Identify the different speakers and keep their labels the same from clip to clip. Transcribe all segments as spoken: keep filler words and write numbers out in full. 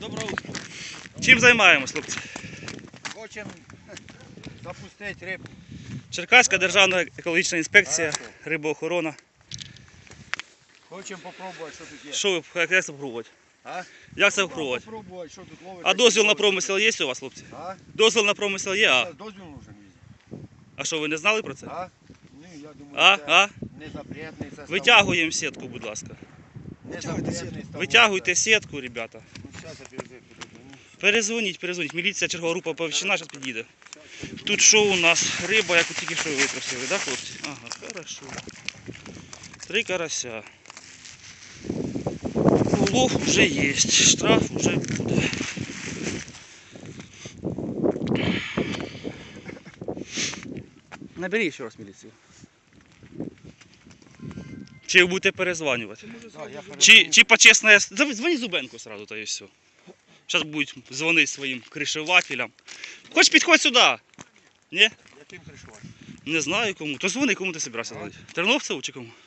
Speaker 1: Доброго утра.
Speaker 2: Чим займаємось, хлопці?
Speaker 1: Хочемо запустити рибу.
Speaker 2: Черкаська державна екологічна інспекція, рибоохорона.
Speaker 1: Хочемо попробувати, що тут є.
Speaker 2: Що ви, як це спробувати?
Speaker 1: А?
Speaker 2: Як це спробувати?
Speaker 1: Попробувати, що тут ловить.
Speaker 2: А дозвіл на промисел є у вас, хлопці?
Speaker 1: А?
Speaker 2: Дозвіл на промисел є, а?
Speaker 1: Дозвіл нужен візі.
Speaker 2: А що, ви не знали про це?
Speaker 1: А? Ну, я думаю,
Speaker 2: А?
Speaker 1: це
Speaker 2: А?
Speaker 1: не запретний. Це
Speaker 2: Витягуємо сітку, будь ласка.
Speaker 1: Не запретний.
Speaker 2: Витягуйте сітку, ребята.
Speaker 1: Ну, зараз я перезв- перезвоню.
Speaker 2: Перезвоніть, перезвоніть. Міліція, чергова група оповіщена, зараз підійде. Тут що у нас? Риба, яку тільки що витрусили, да, хлопці? Ага, хорошо. Три карася. Улов вже є, штраф вже буде. Наберіть ще раз міліцію. Чи ви будете перезванювати?
Speaker 1: Да, я перезвоню.
Speaker 2: Чи, чи почесне... Дзвони Зубенку сразу, та і все. Зараз будуть дзвонити своїм кришевателям. Хоч підходь сюди. Ні?
Speaker 1: Яким кришувати?
Speaker 2: Не знаю кому. То дзвони, кому ти збирався дзвонити. Терновцеву чи кому?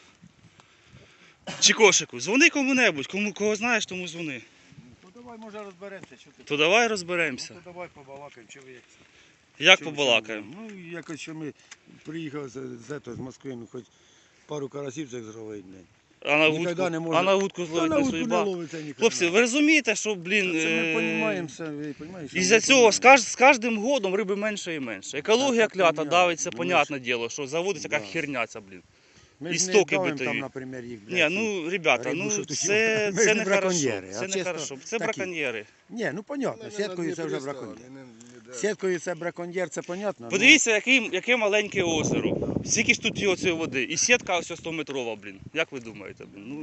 Speaker 2: Чи Кошику? Дзвони кому-небудь. Кому, кого знаєш, тому дзвони.
Speaker 1: Ну давай, може, розберемося. Що ти?
Speaker 2: То давай
Speaker 1: Ну,
Speaker 2: розберемося.
Speaker 1: то давай побалакаємо, чи ви як це?
Speaker 2: Як
Speaker 1: Що-
Speaker 2: побалакаємо?
Speaker 1: що ви? Ну, якось, що ми приїхали з, з, ето, з Москви, ну, хоч пару карасів цих зловити.
Speaker 2: А на
Speaker 1: Ніколи
Speaker 2: вудку,
Speaker 1: не може-
Speaker 2: а на вудку
Speaker 1: Та
Speaker 2: зловити
Speaker 1: на
Speaker 2: не
Speaker 1: вудку не
Speaker 2: судьба.
Speaker 1: ловиться ніколи.
Speaker 2: Хлопці, ви розумієте, що, блін,
Speaker 1: Це ми
Speaker 2: е,
Speaker 1: розуміємо все, ви розумієте?
Speaker 2: із-за цього з, каж- з кожним годом риби менше і менше. Екологія
Speaker 1: Так, це
Speaker 2: клята
Speaker 1: понятно.
Speaker 2: давиться,
Speaker 1: Ну,
Speaker 2: понятне діло, що заводиться
Speaker 1: Да.
Speaker 2: як херня ця, блін.
Speaker 1: Ми ж не
Speaker 2: істоки
Speaker 1: давимо
Speaker 2: битові.
Speaker 1: там, наприклад, їх,
Speaker 2: Ні,
Speaker 1: блядь,
Speaker 2: ну, ребята,
Speaker 1: рибу,
Speaker 2: ну
Speaker 1: що тут
Speaker 2: це,
Speaker 1: є. Ми
Speaker 2: це
Speaker 1: ж
Speaker 2: не
Speaker 1: не
Speaker 2: хорошо.
Speaker 1: браконьєри,
Speaker 2: Це
Speaker 1: а
Speaker 2: не
Speaker 1: чисто
Speaker 2: хорошо. Це
Speaker 1: такі.
Speaker 2: браконьєри.
Speaker 1: Ні, ну понятно, сіткою це вже браконьєр. Сіткою це браконьєр, це понятно. ну,
Speaker 2: Подивіться, яке, яке маленьке озеро. Скільки ж тут його цієї води. І сітка ось сто метрова, блін. Як ви думаєте, блін? Ну,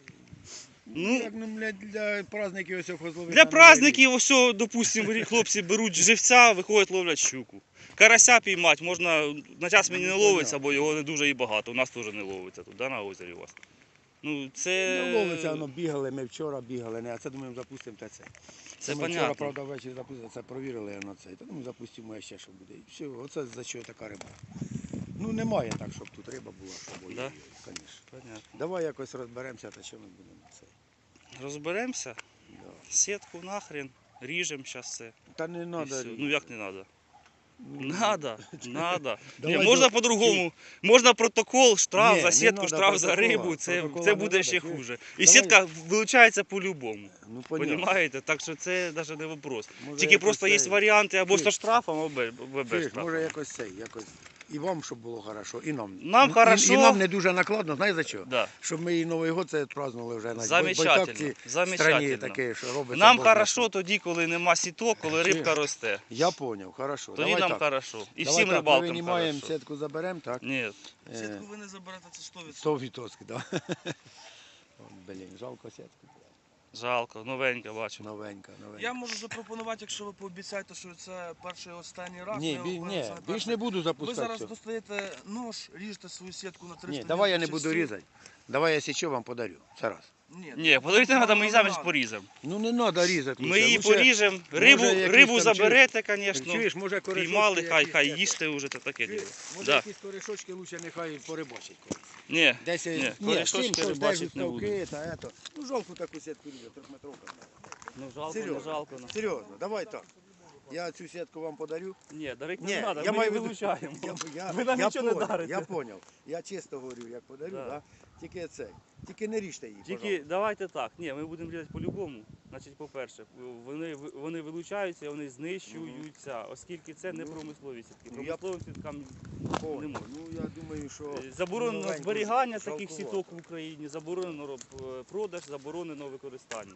Speaker 1: Ну,
Speaker 2: ну,
Speaker 1: як, ну, для, для праздників ось хозловити.
Speaker 2: для праздників ось, допустимо, хлопці беруть живця, виходять, ловлять щуку. Карася піймати можна, на час мені не ловиться, бо його не дуже і багато. У нас теж не ловиться тут, да, на озері у вас. Ну, це...
Speaker 1: Не ловиться, воно бігали, ми вчора бігали, не, а це думаємо запустимо те це.
Speaker 2: Це
Speaker 1: ми
Speaker 2: понятно.
Speaker 1: вчора, правда, ввечері запустили, це провірили воно це. Та думаю, запустимо ще що буде. І все, оце за що така риба. Ну немає так, щоб тут риба була, щоб
Speaker 2: Да?
Speaker 1: да? Звісно.
Speaker 2: Понятно.
Speaker 1: Давай якось розберемося, та що ми будемо це.
Speaker 2: Розберемося,
Speaker 1: Да.
Speaker 2: сітку нахрен, ріжемо зараз все.
Speaker 1: Та не
Speaker 2: І
Speaker 1: треба.
Speaker 2: все. Ну як не треба? Надо, надо. Ні,
Speaker 1: Давай
Speaker 2: можна
Speaker 1: до-
Speaker 2: по-другому. Можна протокол, штраф
Speaker 1: Ні,
Speaker 2: за
Speaker 1: не
Speaker 2: сітку,
Speaker 1: надо
Speaker 2: штраф за
Speaker 1: протокола.
Speaker 2: рибу. Це,
Speaker 1: Протокола
Speaker 2: це
Speaker 1: не
Speaker 2: буде
Speaker 1: надо,
Speaker 2: ще
Speaker 1: чуєш?
Speaker 2: хуже. І
Speaker 1: Давай.
Speaker 2: сітка вилучається по-любому.
Speaker 1: Ну, понятно.
Speaker 2: Понімаєте? Так що це навіть не вопрос.
Speaker 1: Може,
Speaker 2: Тільки
Speaker 1: якось
Speaker 2: просто є
Speaker 1: цей-
Speaker 2: варіанти або
Speaker 1: Чуєш?
Speaker 2: зі штрафом, або без
Speaker 1: Чуєш,
Speaker 2: штрафу.
Speaker 1: може якось цей, якось. І вам, щоб було хорошо, і нам.
Speaker 2: Нам
Speaker 1: І-
Speaker 2: хорошо.
Speaker 1: І, і нам не дуже накладно, знаєш за що?
Speaker 2: Да.
Speaker 1: Щоб ми і Новий год це празднували вже на
Speaker 2: Замечательно,
Speaker 1: страні
Speaker 2: замечательно.
Speaker 1: таке, що робиться.
Speaker 2: Нам
Speaker 1: Бог знає
Speaker 2: хорошо
Speaker 1: що.
Speaker 2: тоді, коли нема сіток, коли
Speaker 1: Чуєш?
Speaker 2: рибка росте.
Speaker 1: Я зрозумів, хорошо.
Speaker 2: Тоді
Speaker 1: Давай
Speaker 2: нам
Speaker 1: так.
Speaker 2: хорошо. І
Speaker 1: Давай
Speaker 2: всім
Speaker 1: так,
Speaker 2: рибалкам
Speaker 1: ми винімаємо,
Speaker 2: хорошо.
Speaker 1: сітку заберемо, так?
Speaker 2: Ні.
Speaker 1: Е,
Speaker 3: Сітку ви не заберете, це сто відсотків.
Speaker 1: сто відсотків, так. Блін, жалко сітку.
Speaker 2: Жалко, новенька бачу.
Speaker 1: Новенька, новенька.
Speaker 3: Я можу запропонувати, якщо ви пообіцяєте, що це перший і останній раз.
Speaker 1: Ні,
Speaker 3: ми
Speaker 1: бі,
Speaker 3: говоримо,
Speaker 1: ні,
Speaker 3: це не
Speaker 1: більш
Speaker 3: перший.
Speaker 1: не буду
Speaker 3: Ви
Speaker 1: запускати.
Speaker 3: зараз
Speaker 1: цього.
Speaker 3: достаєте нож, ріжете свою сітку на триста
Speaker 1: Ні, давай я не
Speaker 3: часів.
Speaker 1: буду різати. Давай я січу вам подарю. Це раз.
Speaker 3: Ні,
Speaker 2: Ні, подивіться, треба, ми її
Speaker 3: не
Speaker 2: замість
Speaker 3: надо.
Speaker 2: поріземо.
Speaker 1: Ну не треба різати.
Speaker 2: Ми
Speaker 1: лучше.
Speaker 2: її
Speaker 1: Лучше-
Speaker 2: поріжемо, рибу,
Speaker 1: може, якісь
Speaker 2: рибу
Speaker 1: там
Speaker 2: заберете, звісно.
Speaker 1: Чуєш, може корешочки
Speaker 2: Піймали, хай,
Speaker 1: якісь
Speaker 2: хай
Speaker 1: це-
Speaker 2: їсти вже, це таке діло.
Speaker 1: Може
Speaker 2: Да.
Speaker 1: якісь корешочки лучше нехай порибачить. колись.
Speaker 2: Ні,
Speaker 1: Десь
Speaker 2: ні,
Speaker 1: ні,
Speaker 2: корешочки
Speaker 1: чим, щось
Speaker 2: рибачить
Speaker 1: десь
Speaker 2: не буду.
Speaker 1: ставки, та ето. Ну жалку таку сітку різати, трьохметровка.
Speaker 2: Ну жалко, не
Speaker 1: Серйозно,
Speaker 2: жалко. ну.
Speaker 1: серйозно, давай так. Я цю сітку вам подарю.
Speaker 2: Ні, дарити
Speaker 1: Ні,
Speaker 2: не треба,
Speaker 1: я
Speaker 2: ми
Speaker 1: маю
Speaker 2: її
Speaker 1: в виду-
Speaker 2: вилучаємо.
Speaker 1: Я, я,
Speaker 2: Ви нам
Speaker 1: я
Speaker 2: нічого не
Speaker 1: поняв,
Speaker 2: дарите.
Speaker 1: Я зрозумів. Я чисто говорю, як подарю,
Speaker 2: Да.
Speaker 1: да. Тільки це. Тільки не ріжте її,
Speaker 2: Тільки
Speaker 1: пожалуйста.
Speaker 2: давайте так, ні, ми будемо різати по-любому. Значить, по-перше, вони, вони вилучаються, вони знищуються, оскільки це не промислові сітки.
Speaker 1: Ну, я-
Speaker 2: Промисловим сіткам
Speaker 1: Понял.
Speaker 2: не можна.
Speaker 1: Ну я думаю, що
Speaker 2: Е, Заборонено
Speaker 1: новеньку
Speaker 2: зберігання таких
Speaker 1: жалкувато.
Speaker 2: сіток в Україні, заборонено роб- продаж, заборонено використання.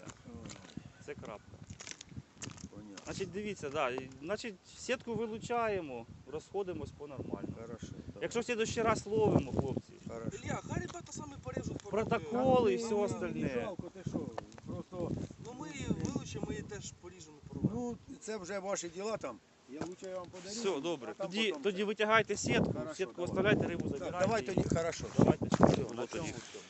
Speaker 2: Це крапка.
Speaker 1: Понятно.
Speaker 2: Значить, дивіться, да, і- значить, сітку вилучаємо, розходимось по-нормальному.
Speaker 1: Хорошо. так.
Speaker 2: Якщо в следующий раз ловимо, хлопці,
Speaker 1: Хорошо.
Speaker 3: Ілля, хай ребята самі поріжуть.
Speaker 2: протоколи і
Speaker 1: Та
Speaker 2: все
Speaker 1: ні, не
Speaker 2: остальне.
Speaker 1: жалко, ти що? Просто,
Speaker 3: Ну ми її вилучимо, ми її теж поріжемо і поробимо.
Speaker 1: ну, це вже ваші діла там. Я лучше я вам подарю.
Speaker 2: Все, добре.
Speaker 1: а там
Speaker 2: Тоді,
Speaker 1: потім
Speaker 2: тоді
Speaker 1: це.
Speaker 2: витягайте сітку,
Speaker 1: Хорошо,
Speaker 2: сітку
Speaker 1: давай.
Speaker 2: оставляйте, рибу
Speaker 1: Так,
Speaker 2: забирайте.
Speaker 1: давай
Speaker 2: і
Speaker 1: тоді, хорошо.
Speaker 2: Давайте, щоб
Speaker 1: Все,
Speaker 2: було
Speaker 1: на
Speaker 2: тоді.
Speaker 1: цьому все.